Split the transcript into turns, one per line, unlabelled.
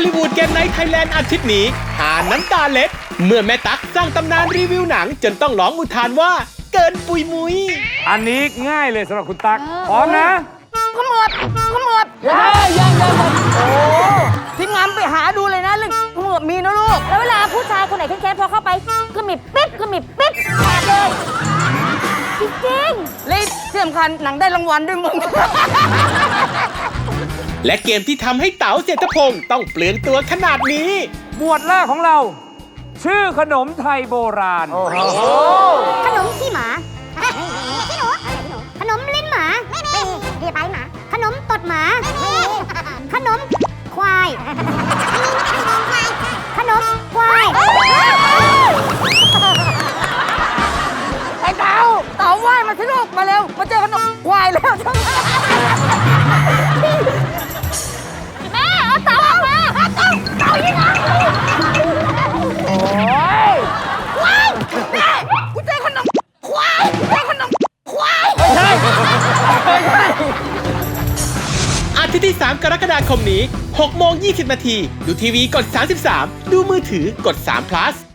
ลลีวูดเกมไนท์ไทยแลนด์อาทิตย์นี้หาน้ำตาเล็ดเมื่อแม่ตั๊กสร้างตำนานรีวิวหนังจนต้องร้องอุทานว่าเกินปุยมุย
อันนี้ง่ายเลยสำหรับคุณตั๊กพร้อมนะ
ขมวดยังโอ้ทีมงานไปหาดูเลยนะเรื่องขมวดมีนะลูก
แล้วเวลาผู้ชายคนไหนแค้นๆพอเข้าไปก็มีปิ๊บขาดเลยจริง
ๆเลยที่สำคัญหนังได้รางวัลด้วยมึง
และเกมที่ทำให้เต๋าเศรษฐพงศ์ต้องเปลืองตัวขนาดนี้
หมวดแรกของเรา ชื่อขนมไทยโบราณ
ขนมขี้หมาขี้หนูขนมลิ้นหมาไม่มีเรียบไปหมาขนมตดหมาไม่มีขนมควายขนมควาย
ไอ้เต๋าว่ายมาสิลูกมาเร็วมาเจอขนมควายแล้ว
แม่เอาเต๋าออกมาเต๋ายังไง
โอ้ยควายแม่กูเจอขนมควายไม่ใช่
อาทิตย์ที่ 3 กรกฎาคมนี้ 6:20 น. ดูทีวีกด 33 ดูมือถือกด3 plus